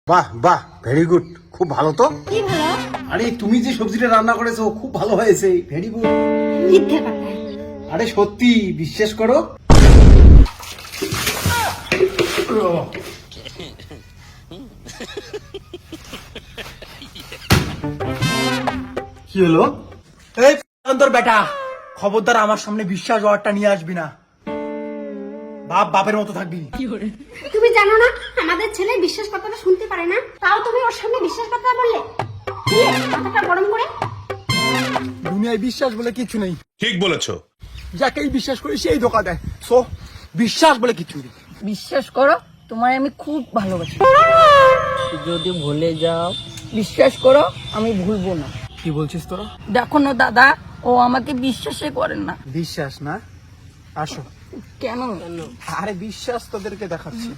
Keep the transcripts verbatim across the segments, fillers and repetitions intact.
বাহ বাহ very good, খুব ভালো তো। কি ভালো? আরে তুমি যে সবজিটা রান্না করেছো খুব ভালো হয়েছে, ভেরি গুড। মিথ্যে কথা। আরে সত্যি বিশ্বাস করো। কি হলো? এই তোর বেটা, খবরদার আমার সামনে বিশ্বাস ওয়ার্ডটা নিয়ে আসবি না। বাপ বাপের মতো থাকবি। তুমি জানো না আমাদের ছেলে বিশ্বাস কথাটা শুনতে পারে না, তাও তুমি ওর সামনে বিশ্বাস কথা বললে। কি মাথাটা গরম করে? দুনিয়ায় বিশ্বাস বলে কিছু নেই, ঠিক বলেছো। যাকেই বিশ্বাস করি সেই ধোকা দেয়। সো বিশ্বাস বলে কিছু নেই। বিশ্বাস করো, তোমায় আমি খুব ভালোবাসি। যদি ভুলে যাও, বিশ্বাস করো আমি ভুলবো না। কি বলছিস তোরা? দেখো না দাদা, ও আমাকে বিশ্বাসই করেন না। বিশ্বাস না? আসো। কেন? আরে বিশ্বাস তোদেরকে দেখাচ্ছি।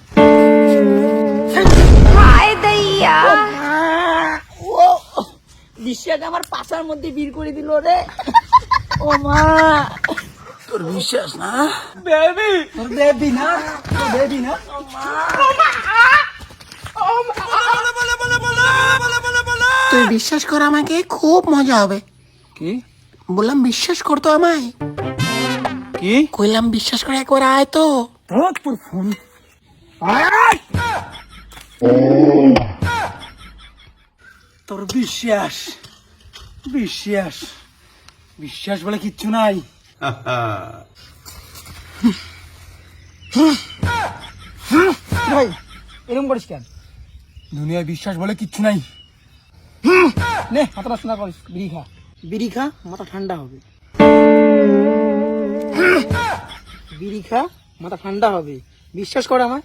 হায় দইয়া, ও বিশ্বাস আমার পাছার মধ্যে বীর করে দিল রে। ও মা, তোর বিশ্বাস না? বেবি, তোর বেবি না? তোর বেবি না? তুই বিশ্বাস কর, আমাকে খুব মজা হবে। কি বললাম বিশ্বাস করতো আমায়। কি কইলাম বিশ্বাস করে একবার আয় তো। তোর ফোন। তোর বিশ্বাস বিশ্বাস বিশ্বাস বলে কিচ্ছু নাই। ভাই এরকম করিস কেন? দুনিয়ায় বিশ্বাস বলে কিচ্ছু নাই। নে মাথা নষ্ট না করিস, বিড়ি খা। বিড়ি খা, মাথা ঠান্ডা হবে। বিড়ি খা, মাথা ঠান্ডা হবে। বিশ্বাস কর আমায়।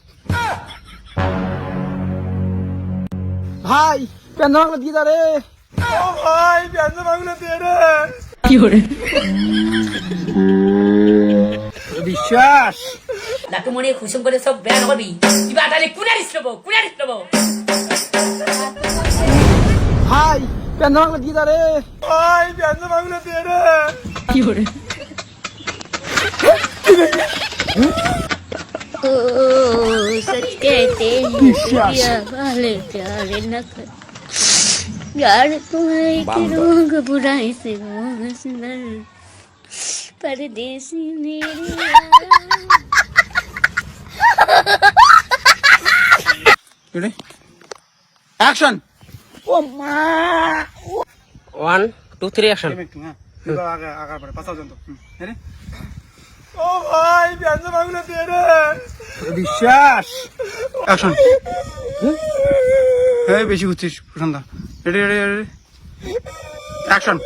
ভাই পেন্দ্র বাংলা দিয়ে দাঁড়ে। ও ভাই পেন্দ্র বাংলা দিয়ে রে। কি করে? বিশ্বাস 나도 모르게 구성거려서 배워거비 이봐 달리 꾸나리스러버 꾸나리스러버 ভাই পেন্দ্র বাংলা দিয়ে দাঁড়ে। ভাই পেন্দ্র বাংলা দিয়ে রে। কি করে? ओ सच कहते हैं पिया वाले प्यार न कर यार तुम्हारे के रोग बुराई से मोह सुंदर परदेसी मेरे রেডি অ্যাকশন। ও মা, ওয়ান টু থ্রি অ্যাকশন। আগে আগার পরে পাঁচ পর্যন্ত। রেডি। ও ভাই পেন্দ্র বাংলা দিয়ে রে। বিশ্বাস অ্যাকশন। এই বেশি ঘুরছিস Prashanta. Ready ready ready action.